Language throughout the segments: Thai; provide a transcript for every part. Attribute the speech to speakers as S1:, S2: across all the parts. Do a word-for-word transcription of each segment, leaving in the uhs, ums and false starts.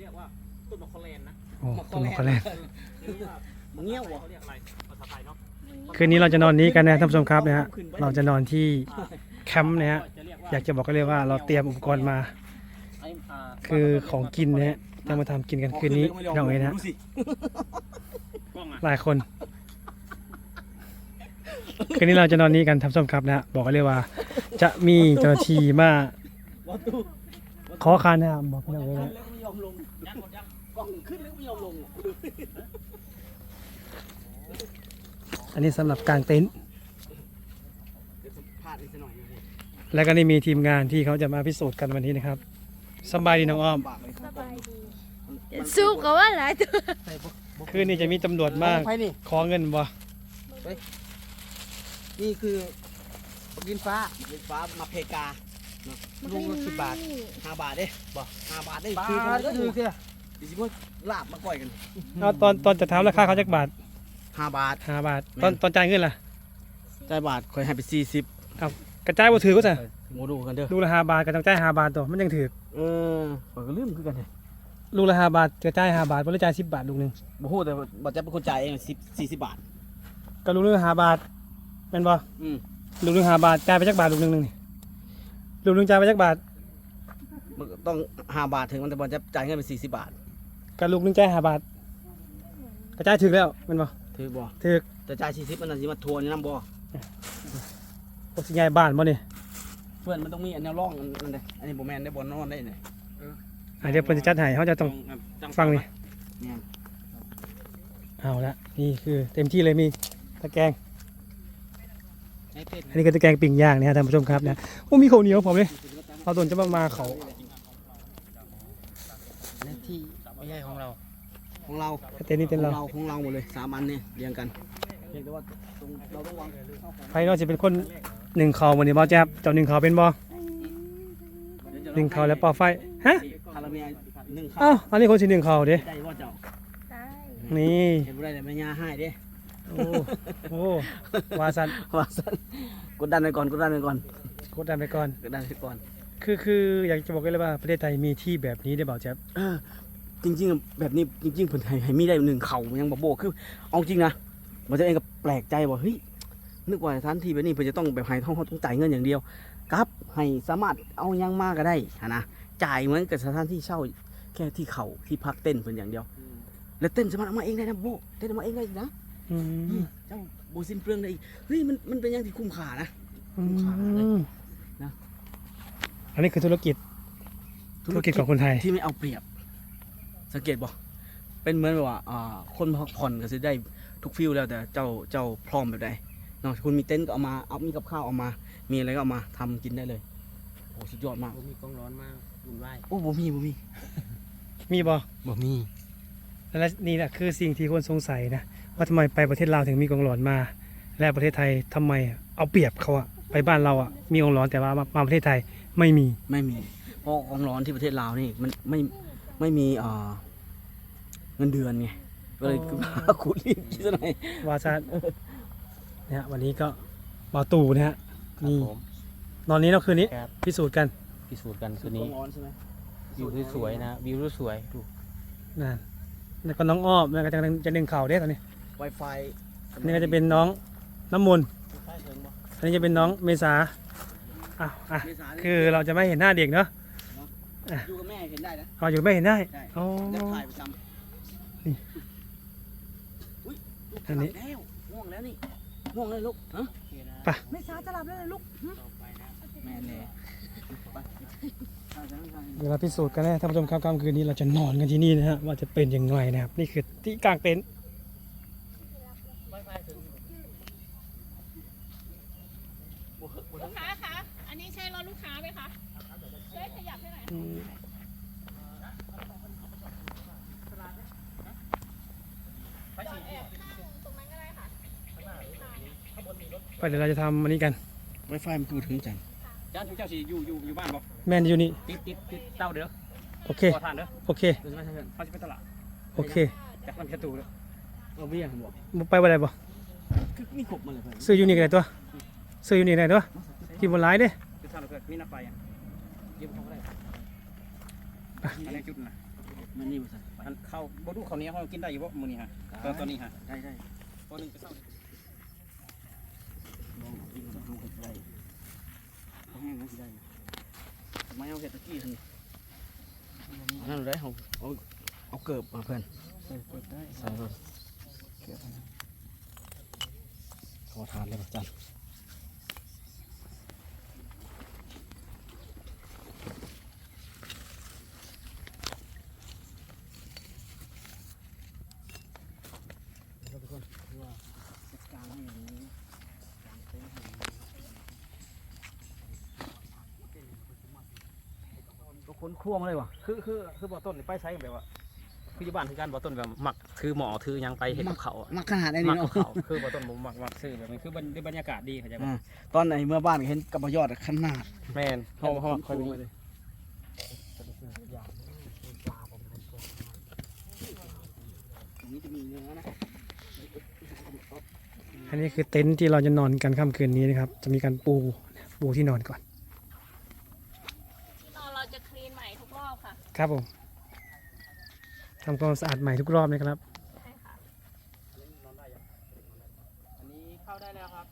S1: ยกว่าต้นมะขามแลนนะ
S2: โอ้ต้นมะขามแลน
S1: มึงเงี้ยวเหรอเขาเรียกอะไรภาษาไทยเนาะ
S2: คืนนี้เราจะนอนนี้กันนะท่านผู้ชมครับนะฮะเราจะนอนที่แคมป์นะฮะอยากจะบอกก็เลยว่าเราเตรียมอุปกรณ์มา คือของกินนะฮะจะมาทำกินกันคืนนี้น้องเอ๋ยนะหลายคนคืนนี้เราจะนอนนี้กันท่านผู้ชมครับนะฮะบอกกันเลยว่า จะมีเจ้าหน้าที่มาขอคานนะครับบอกพี่น้องเอ๋ยนะ
S1: ไม่ยอมลงกล้องขึ้นแล้วไม่ยอมลง
S2: อันนี้สำหรับกางเต็นท์
S1: พลาดนิดหน่อย
S2: แล้วก็นี่มีทีมงานที่เขาจะมาพิสูจน์กันวันนี้นะครับสบายดีน้องอ้อม
S3: สบายดีสู้กับว่าหลายตัว
S2: คืนนี้จะมีตำรวจมาขอเงินบ่
S1: นี่คือดินฟ้าดินฟ้ามาเพกาลูกละสิบบาทห้าบาทเด้บ่ห้าบาทได้คือคนก็คือเนี่ยดิฉันว่าลาบมาก่อยกัน
S2: เอาตอนตอนจะถามราคาเขาจักบาท
S1: ห้าบาท
S2: ห้าบาทตอนตอนจ่ายเงินล่ะ
S1: จ่ายบาทคอยให้ไปสี่สิบ
S2: กระจายบ่ถือก็จะ
S1: โมดูกันเด้อ
S2: ลูกละห้าบาทก็ต้องจ่ายห้าบาทตัวมันยังถือ
S1: เออข่อยก็ลืมคือกันเลย
S2: ลูกละห้าบาทจะจ่ายห้าบาทบ่ได้จ่ายสิบบาทลูกหนึง
S1: บ่ฮู้แต่บ่จะเป็นคนจ่ายเองสิบสี่สิบบาท
S2: ก็ลูกหนึงห้าบาทแม่นบ่
S1: อืม
S2: ลูกหนึงห้าบาทจ่ายไปจักบาทลูกหนึงนึงนี่ลูกหนึงจ่ายไปจักบาท
S1: มันต้องห้าบาทถึงมันแต่บ่จะจ่ายเงินเป็นสี่สิบบาท
S2: ก็ลูกหนึงจ่ายห้าบาทกระจายถึกแล้วแม่นบ่
S1: ถือบ่
S2: ถึก
S1: แต่จ่ายสี่สิบมันน่ะสิมาทวนอยู่นำบ่
S2: บ่สิย้ายบ้านบ่นี่
S1: เพื่อนมันต้องมีอันแนวร่องอันนี้อันนี้บ่แม่นได้บ่นอนได้นี่
S2: อ่ะเดี๋ยวเพิ่นจะจัดให้เฮาจะต้องฟังนี่
S1: เนี่ย
S2: เอาละนี่คือเต็มที่เลยมีตะแกรง
S1: ให้เป็ด
S2: อันนี้ก็ตะแกรงปิ้งย่างนะฮะท่านผู้ชมครับนะโอ้มีข้าวเหนียวผมเลยเราโดนจะมามาเขา
S1: ในที่ไม่ใช่ของเรา ของเรา
S2: เต็นท์นี่เต็นท์เรา
S1: ของเราหมดเลยสามอันนี่เรียงกันเพียงแต่ว่าตรงเราต้องวาง
S2: ใครนอกจะเป็นคนหนึ่งเขาวันนี้บอแจ๊บเจ้าหนึ่งเขาเป็นบอหนึ่งเขาแล้วเป่าไฟฮะ
S1: คาราเมลหนึ่งข้า
S2: อ้าวอันนี้คนสิหนึ่งเขาเด้
S1: ได้ว่าเจ้า
S3: ได้
S2: นี่
S1: เห็นบ่ได้แต่แม่ย่าให้เด้
S2: โอ้โอ้วาสัน
S1: ว่าซั่นกดดันไปก่อนกดดันไปก่อน
S2: กดดันไปก่อน
S1: กดดันไปก่อน
S2: คือคืออยากจะบอกเลยว่าประเทศไทยมีที่แบบนี้ได้เปล่าแจ๊บ
S1: เออจริงๆแบบนี้จริงๆเพิ่นให้ให้มีได้หนึ่งเข่ามันยังบ่โบกคือเอาจริงนะมันจะเองก็แปลกใจว่าเฮ้ยนึกว่าสถานที่แบบนี้เพิ่นจะต้องแบบให้ท่องเขาต้องจ่ายเงินอย่างเดียวครับให้สามารถเอายังมากก็ได้หั้นนะจ่ายเหมือนกับสถานที่เช่าแค่ที่เขาที่พักเต้นเพิ่นอย่างเดียว แล้วเต้นสามารถเอามาเองได้นะโบเต้นเอามาเองได้อีกนะ
S2: อืม
S1: เจ้าโบสิ้นเปลืองได้อีกเฮ้ยมันมันเป็นอย่างที่คุ้มค่านะ
S2: อื
S1: คุ้มค่าเลย
S2: ม
S1: นะ
S2: อันนี้คือธุรกิจธุรกิจของคนไทย
S1: ที่ไม่เอาเปรียบ สังเกตบ่เป็นเหมือนแบบว่าอ่าคนพักผ่อนก็จะได้ทุกฟิลแล้วแต่เจ้าเจ้าพร้อมแบบใดเนาะคุณมีเต็นท์ก็เอามาเอามีกับข้าวเอามา มีอะไรก็เอามาทำกินได้เลยโอ้สุดยอดมาก
S4: ผมมีกล้องร้อนมากวุ่นวาย
S1: โอ้บ่มีบ่มี
S2: มีบอ
S4: บ่มี
S2: และนี่แหละคือสิ่งที่คนสงสัยนะว่าทำไมไปประเทศลาวถึงมีกองหลอนมา และประเทศไทยทำไมเอาเปรียบเขาอะไปบ้านเราอะมีกองหลอนแต่ว่ามามาประเทศไทยไม่มี
S1: ไม่มีเพราะของร้อนที่ประเทศลาวนี่มันไม่ไม่มีอ่าเงินเดือนไงก็เลย
S2: อ๋อ
S1: คุณรีบคิดซะหน่อย
S2: วาซานะฮะวันนี้ก็บาตู่นะฮะ
S4: ครับ
S2: นี่
S4: ผม
S2: นอนนี้เราคืนนี้
S4: ครับ
S2: พิสูจน์กัน
S4: พิสูจน์กันคืนนี้
S1: ร้อนใช่ไหม
S4: วิวสวยๆนะวิวสวยดู
S2: นั่นแล้วก็น้องอ้อมแล้วก็จะจะดึงเข่าได้ตอนนี้
S1: ไวไฟ
S2: อันนี้ก็จะเป็นน้องน้ำมนต์อันนี้จะเป็นน้องเมษาอ้าวอ่ะคือเราจะไม่เห็นหน้าเด็กเนาะ
S1: อยู่กับแม่เห็นได้นะ
S2: เราอยู่ไม่เห็นได้
S1: ได้
S2: อ๋อ
S1: เดี๋ยวถ่ายประจำ
S2: นี่
S1: อุ้ยลูก
S2: อันนี้
S1: หลับแล้วง่วงแล้วนี่ง่วงเลยลูกฮะ
S2: ไป
S1: ไม่ช้าจะหลับแล้วเลยลูกหึแม่แน่ไป
S2: เดี๋ยวเราพิสูจน์กันนะท่านผู้ชมครับค่ำคืนนี้เราจะนอนกันที่นี่นะฮะว่าจะเป็นยังไงนะครับนี่คือที่กลางเต็นท์
S5: ลูกค้าคะ อันนี้ใช่รถลูกค้าไหมคะ ช่วยขยับให้หน่อย
S2: อืม
S5: จอดแอบข้างตรงนั้นก็ได้ค่ะ
S2: ไปเดี๋ยวเราจะทำอันนี้กัน
S1: ไวไฟมันคือถึงจัง
S4: จ้าทุกเจ้าสิอยู่อยู่อยู่บ้านบ่
S2: แม่นอยู่นี่
S4: ติดติดติดเต้าเด้อ
S2: โอเค
S4: ขอทานเด้อ
S2: โอเค
S1: เดี๋ยวจะมาทำกัน
S4: เขาจะไปตลาด
S2: โอเค
S4: จากลำแค่ตูเด้อ
S1: เอาเบี้ยผมบอก
S2: บ่ไปบ่ได้บ่
S1: คือมีขบมาเลยเพื่อน
S2: ซื้ออยู่นี่ก็ได้ตัวซื้ออยู่นี่ก็ได้ตัวกินบนไลน์เด้
S4: จะทานเกิดมีน้ำไฟอ่ะเยี่ยมเขาก็ได้อันนี้จุดนะ
S1: บมันนี่บ่ซั่น
S4: อันข้าวบ่ดูข้าวเหนียวเขากินได้อยู่บ่มื้อนี้ฮะตอนตอนนี้ฮะ
S1: ได้ได้
S4: ตอนนึงก็เช้า
S1: ลองกินกับลูกเห็ดได้เอาแห้งนะสิได้ทำไมเอาเห็ดตะกี้ทันอันนั้นได้เอาเอาเอาเกิบมาเพื่อน
S4: เปิดได้
S1: ใส่รถเกิบขอทานเลยจันทุกคนว่าจัดการให้อย่างนี้กางเต็นท์ให้อย่างนี้ก็ค้นครั่วมาเลยวะ
S4: คือคือคือบ่ต้นนี่ไปใช้แบบว่าคืออยู่บ้านคือการบ่ต้นแบบมักถือหมอถือหยังไปเฮ็ดกับเขาวอะ
S1: มักขนาดนี้
S4: มัก
S1: เนาะ
S4: กับเขาคือบ่ต้นบ่มักมักซื้อแบบนี้คือบรรบรรยากาศดีเข้าใจบ่
S1: อ่าตอนไหนเมื่อบ้านเห็นกับบยอดขนาด
S4: แม่นเฮาเฮาค่อยมี
S1: เลยตรงนี้จะมีเนื้อนะ
S2: อันนี้คือเต็นท์ที่เราจะนอนกันค่ำคืนนี้นะครับ จะมีการปูปูที่นอนก่อน
S5: ตอนเราจะคลีนใหม่ทุกรอบค่ะ
S2: ครับผมทำความสะอาดใหม่ทุกรอบนะครับ
S5: ใช่ค่ะ
S4: อันนี้เข้าได้แล้วครับ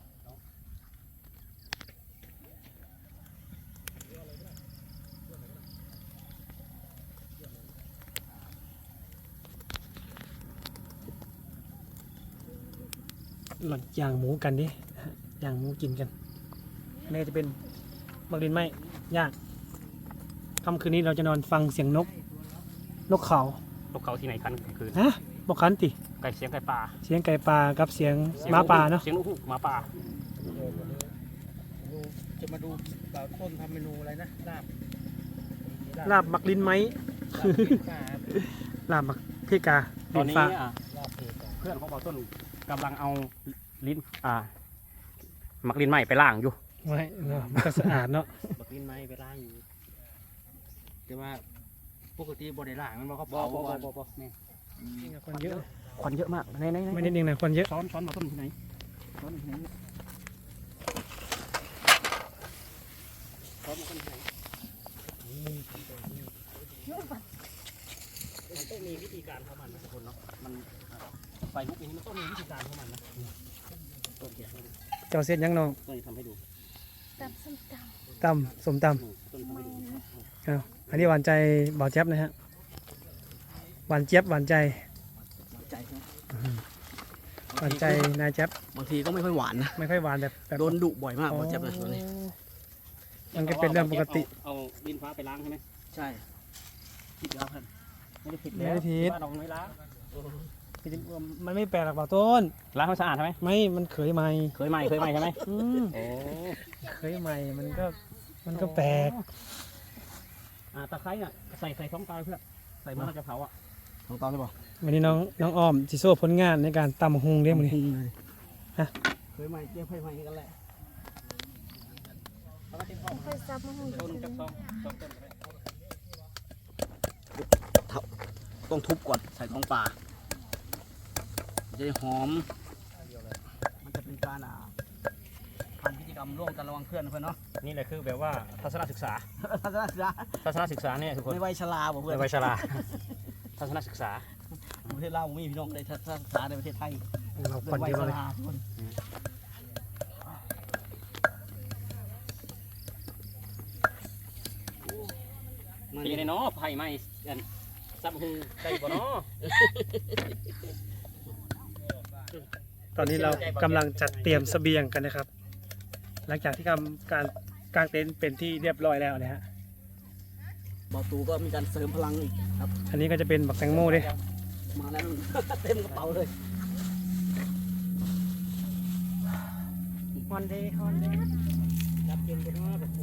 S2: หลังย่างหมูกันดิย่างหมูกินกันอันนี้จะเป็นบักดินไม้ย่างค่ำคืนนี้เราจะนอนฟังเสียงนก นกเขา
S4: นกเขาที่ไหนคันคือ
S2: ฮะบอกคันติ
S4: ไก่เสียงไก่ป่า
S2: เสียงไก่ป่ากับเสียงหมาป่าเนาะ
S4: เสียงนกฮูกหมาป่า
S1: จะมาดูบ่าวต้นทำเมนูอะไรนะลาบ
S2: ลาบบักดินไม้ ลาบบักเพกา
S4: ตอนนี้
S2: ฟ้า
S4: อ่ะเพื่อนของบ่าวต้นกำลังเอาลิ้นอ่ามักลิ้นไหม้ไปล้างอยู่
S2: ไว้เนาะมันก็สะอาดเนาะ
S1: บักลิ้นไม้ไปล้างอยู่แต่ว่าปกติบ่ได้ล้างมันบ่เขา
S4: บ่
S1: เผา
S4: บ่
S1: บ่
S4: บ่บ่แม่
S2: คนเยอะ
S4: ควันเยอะมากในในใน
S2: ไม่นิดนึงนะคนเยอะ
S4: ช้อนช้อนบ่าวต้นที่ไหนช้อนที่ไหนช้อนบ่าวต้นที่ไหนมันต้องมีวิธีการของมันนะทุกคนเนาะมันไฟลุกอย่างนี้มันต้องมีวิธีการของมันนะต้นเขียนให้ดู
S2: เจ้าเส้นยังน้อง
S4: ต้นจะทำให้ดู
S3: ตับส้มต
S2: ตำสมต
S4: ต้นทำให้ดู
S2: ำเอาอันนี้หวานใจบ่าวแจ๊บนะฮะหวานเจี๊ยบหวานใจ
S1: ใจใช่ไหม
S2: หวานใจนายแจ๊บบ
S1: างทีก็ไม่ค่อยหวานนะ
S2: ไม่ค่อยหวานแบบแบบ
S1: โดนดุบ่อยมากบ่เจ็บเลยตัวนี้
S2: มันก็เป็นเรื่องปกติ
S4: เอาดินฟ้าไปล้างใช่ไหม
S1: ใช่คิดแล้วครับ
S4: ไม่ได้ผิด
S2: ไม่ได้ผิด
S4: บ้านเราไม่ล้าง
S2: มันไม่แปลกหรอกบ่าวต้น
S4: ล้างให้สะอาดใช่ไหม
S2: ไม่มันเคยใหม่
S4: เคยใหม่เคยใหม่ใช่ไหม
S2: อืม
S4: โอ้
S2: เคยใหม่มันก็มันก็แปลก
S4: อ่าตะไคร้น่ะใส่ใส่ท้องตาเพื่อนใส่มันจะเผาอ่ะ
S1: ลองตอนได้ป่ะ
S2: วันนี้น้องน้องอ้อมจิโซ่ผลงานในการตำฮุงเรียกมันนี่ ฮะ
S1: เคยใหม่เจ๊เคยใหม่กันแหละ
S3: ำค่อยซับมาให้
S4: ต้น
S3: กิ
S4: จั
S3: น
S4: บซองซองต้นไป
S1: ต้องทุบก่อนใส่ท้องปลาจะได้หอม มันจะเป็นการอ่าทำพิธีกรรมร่วมกันระหวังเพื่อนเพื่อนเนาะ
S4: นี่แหละคือแบบว่าทัศนศึกษา
S1: ทัศนศึกษา
S4: ทัศนศึกษาเนี่ยทุกคน
S1: ในวัยชราบอกเพื่อ
S4: ใน
S1: น
S4: วัยชราทัศนศึกษา
S1: ประเทศลาวมีพี่น้องในทัศนศึกษาในประเทศไทย
S2: เรา
S1: ใน
S2: คน
S1: วัย
S2: เดียว
S1: ช
S2: เลย
S1: ราทุกคนมัน
S4: เป็นยังไงเนาะไผ่ไหม้กันซับหูได้บ่เนาะ
S2: ตอนนี้เรากำลังจัดเตรียมเสบียงกันนะครับ หลังจากที่ทำการกางเต็นท์เป็นที่เรียบร้อยแล้วนะฮะ
S1: บอตูก็มีการเสริมพลังอีกครับ
S2: อันนี้ก็จะเป็นบักแตงโมด้วย
S1: มาแล้ว เต็มกระเป๋าเลย
S2: ฮอนเดย์ฮอนเดย์
S1: รับเย็นกันมากแบบ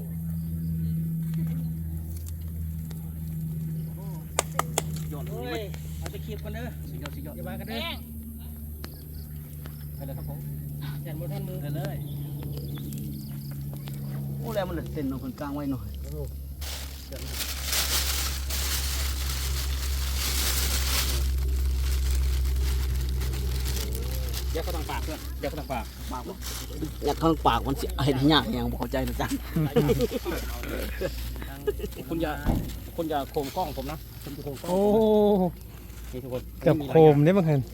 S1: หยอดเลยเอาไปคีบกันเด้อสิหยอดสิหยอดอย่ามากันเด้อ
S5: แป้ง
S1: ไปเลยครับผมยันบนท่านมือเลย โอ้แล้วมันเหลือเส้นเอาคนกลางไว้หน่อย
S4: เดี๋ยวเขาต้องปากเพื่อนเดี๋ยวเขาต้องปาก
S1: ปากบ่อยากเข้าปากมันเสียเห็นยากอย่างบอกเข้าใจนะจ๊ะ
S4: ทางคุณอย่าคุณอย่าโคมกล้องผมนะผมจะโคมกล้อง
S2: โอ้
S4: นี่ทุกคน
S2: เกือบโคมเนี่ยบางคน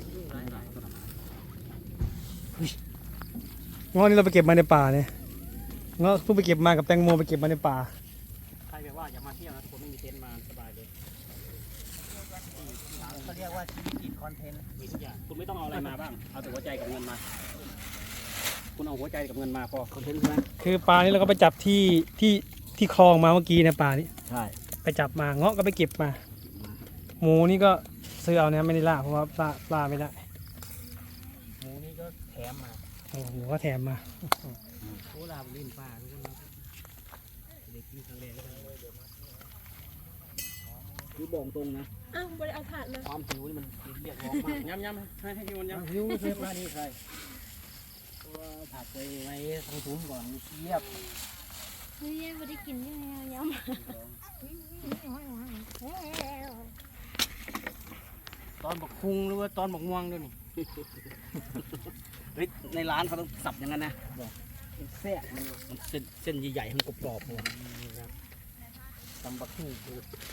S2: ง้อนี่เราไปเก็บมาในป่าเนี่ยง้อเพิ่งไปเก็บมากับแตงโมไปเก็บมาในป่า
S4: ใครแบบว่าอย่ามาเที่ยวนะทุกคนไม่มีเต็นท์มาสบายเลย
S1: เขาเรียกว่าชีวิตติดคอนเทนต์
S4: มีทุกอย่างคุณไม่ต้องเอาอะไรมาบ้างเอาแต่หัวใจกับเงินมา คุณเอาหัวใจกับเงินมาพอ
S1: คอนเทนต์ใช่ไหม
S2: คือปลานี่เราก็ไปจับที่ที่ที่คลองมาเมื่อกี้นะปลานี่
S1: ใช่
S2: ไปจับมาเงาะก็ไปเก็บมา หมูนี่ก็ซื้อเอานะไม่ได้ล่าเพราะว่าปลาปลาไม่ได้
S4: หมูนี่ก็แถมมา
S2: โอ้หมูก็แถมมา
S4: โอ้ลาบลิ้นป้าทุกคนเด็กกินทะเลก็ได้
S1: คือบอกตรงนะ
S3: อ้าวบริเอาถาดมา
S1: ความหิวนี่มันเรียกร้องมาก
S4: ย้ำย้ำให้ให้พี่วันย้ำ
S1: หิวเชฟร้านนี้ใครตัวผัดไปไว้ทางซุ้มก่อนเยียบ
S3: เฮ้ยไม่ได้กินยังไงยำ
S4: ตอนบอกคุงหรือว่าตอนบอกม่วงด้วยนี่
S1: เฮ้ยในร้านเขาต้องสับอย่างนั้นนะบอกแซ่บมันมันเส้นเส้นใหญ่ๆมันกรอบๆเลยตำบักหุ่ง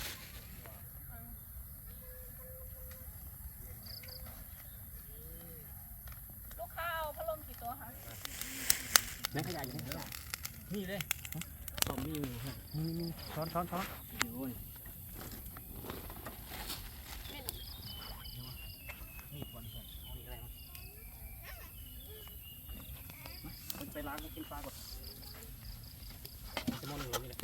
S5: ลูกค้าเอาพัดลมกี่ตัวคะ
S4: แม่ขยายอยู่ไหนขยายนี่เลย
S1: ตอมมี่ฮะ
S4: นี่ช้อนช้อนช้อน
S1: โอ้ย
S4: นี่ก่อนก่อนเอาอีกอะไรมาไปล้างกินปลาก่อนจะมองหนึ่งนี่แหละ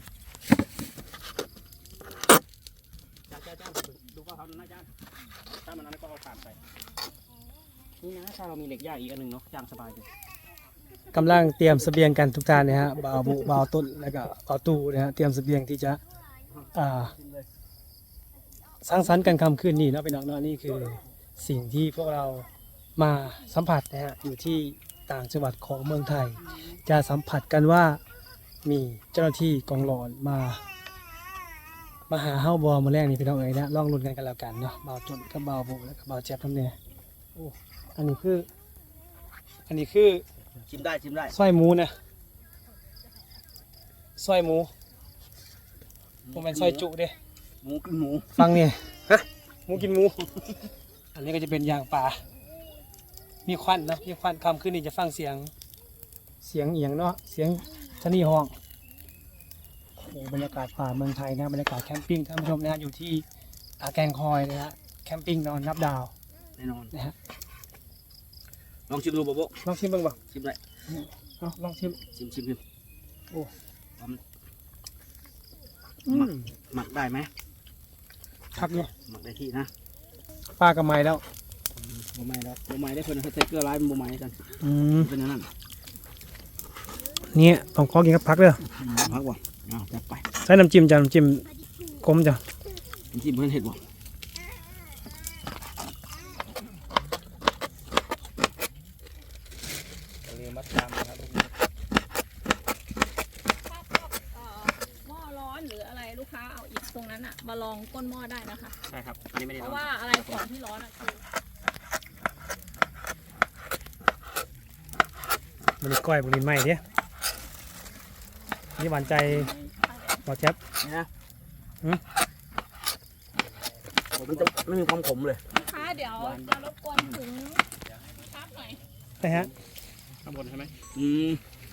S4: จ้าจ้าจ้าดูก็เขานะจ้าถ้ามันนั้นก็เอาผ่านไปนี่นะถ้าเรามีเหล็กย่างอีกอันหนึ่งเนาะย่างสบายเลย
S2: กำลังเตรียมเสบียงกันทุกท่านนะฮะบ่าวบุบ่าวต้นแล้วก็บ่าวตู้นะฮะเตรียมเสบียงที่จะอ่าสร้างสรรค์กันคำคืนนี้เนาะพี่น้องเนาะนี่คือสิ่งที่พวกเรามาสัมผัสนะฮะอยู่ที่ต่างจังหวัดของเมืองไทย จะสัมผัสกันว่ามีเจ้าหน้าที่กองหลอนมามาหาเฮ้าบอมาแรกนี่พี่น้องเอ๋ยนะลองลุ้นกันกันแล้วกันเนาะบ่าวต้นกับบ่าวบุแล้วก็บ่าวแจ๊บทำเนี่ยโอ้อันนี้คืออันนี้คือ
S1: ชิมได้ชิมได้
S2: สร้อยหมูนะสร้อยหมูผมเป็นสร้อยจุเด้
S1: หมูกินหมู
S2: ฟังเนี่ยหมูกินหมู อันนี้ก็จะเป็นยางป่า มีควันเนอะมีควันคำขึ้นนี่จะฟังเสียง เสียงเอียงเนาะ เสียงชะนีห้องโอ้โหบรรยากาศป่าเมืองไทยนะบรรยากาศแคมปิ้งท่านผู้ชมนะฮะอยู่ที่อาแกงคอยนะฮะแคมปิ้งนอนนับดาว
S1: แน่นอน
S2: นะฮะ
S1: ลองชิมดูบ๊อบ
S2: ลองชิมบ้างบ่
S1: ชิมได้
S2: เอาลองชิม
S1: ชิมชิมชิม
S2: อืม
S1: หมักได้ไหม
S2: คักเนี่ย
S1: หมักได้ที่นะ
S2: ปลากระไม้แล้ว
S1: โบไม้แล้วโบไม้ได้เพื่อนเขาใส่เกลือร้ายเป็นโบไม้กัน
S2: อืม
S1: เป็นอย่างนั้น
S2: เนี่ยต้องขอกินกับพักเด้อ
S1: พักบ่เอาจัดไป
S2: ใช้น้ำจิ้มจ้ะน้ำจิ้มกลมจ้ะ
S1: ชิมเพื่อนเห็ดบ่
S4: ลืมมัดจำนะครับ
S5: ถ้าชอบเอ่อหม้อร้อนหรืออะไรลูกค้าเอาอีกตรงนั้นอะมาลองก้นหม้อได้นะคะ
S4: ใช่ครับอันนี้ไม่ได้
S5: เพ
S4: ร้อ
S5: ราะ
S4: น
S5: ว่าอะไรของที่ร้อนอะคือ
S2: มันนี่ก้อยบุรินไหมเนี่ยนี่หวานใจบอกแจ๊บ
S1: นี่นะ
S2: หืม
S1: มันจะไม่มีความขมเลย
S5: ลูกค้าเดี๋ยวจะรบกวนถึงพักหน่อย
S2: นะฮะ
S4: ข้างบนใช่ไหม
S1: อืม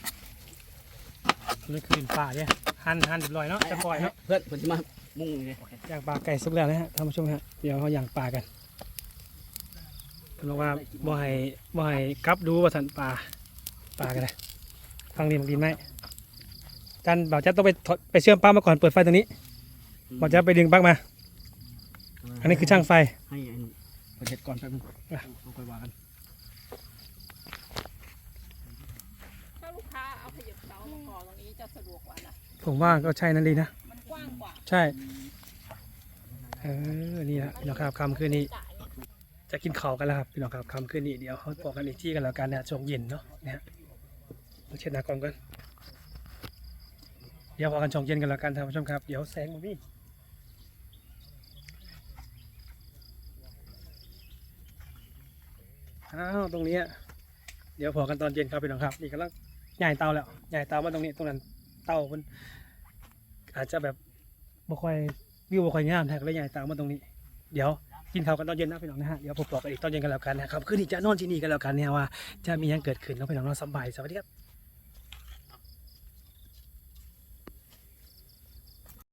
S2: นี่คือดินป่าเนี่ยหั่นหั่นเรียบร้อยเนาะจะปล่อยเนาะ
S1: เพื่อนเพื่อนจะมามุ่งเลย
S2: ย่างปลาไก่สุกแล้วนะฮะท่านผู้ชมฮะเดี๋ยวเขาย่างปลากันบอกว่าบ่ให้บ่ให้กลับดูว่าสันปลาปลากันเลยฟังดีมันดีไหมจันบ่าวแจ๊บต้องไปถอดไปเชื่อมปลั๊กมาก่อนเปิดไฟตรงนี้บ่าวแจ๊บไปดึงปลั๊กมา อันนี้คือช่างไฟ
S1: ให้อันเปิดเห็ดก่อนแป๊บนึง
S2: อ่ะ
S1: เอาค่อยว่ากัน
S5: ถ้าลูกค้าเอาขยับเสามาก่อนตรงนี้จะสะดวกกว่านะ
S2: ผมว่าก็ใช่นั่นดีนะ
S5: มันกว้างกว่า
S2: ใช่เออนี่แหละพี่น้องครับคำคืนนี้
S5: จ่าย
S2: จะกินข้าวกันแล้วครับพี่น้องครับคำคืนนี้เดี๋ยวเขาบอกกันอีกที่กันแล้วกันนะช่วงเย็นเนาะนะฮะเราเช็ดหน้ากล้องกันเดี๋ยวพอกันช่วงเย็นกันแล้วกันท่านผู้ชมครับเดี๋ยวแสงมันมีอ้าวตรงนี้เดี๋ยวพอกันตอนเย็นครับพี่น้องครับนี่กำลังใหญ่เตาแล้วใหญ่เตามาตรงนี้ตรงนั้นเตามันอาจจะแบบบ่ค่อยวิวบ่ค่อยงามแท้ก็เลยย้ายตามมาตรงนี้เดี๋ยวกินข้าวกันตอนเย็นนะพี่น้องนะฮะเดี๋ยวผมบอกกันอีกตอนเย็นกันแล้วกันนะครับคืนนี้จะนอนที่นี่กันแล้วกันเนี่ยว่าจะมีหยังเกิดขึ้นเนาะพี่น้องเนาะสบายสวัสดีครับ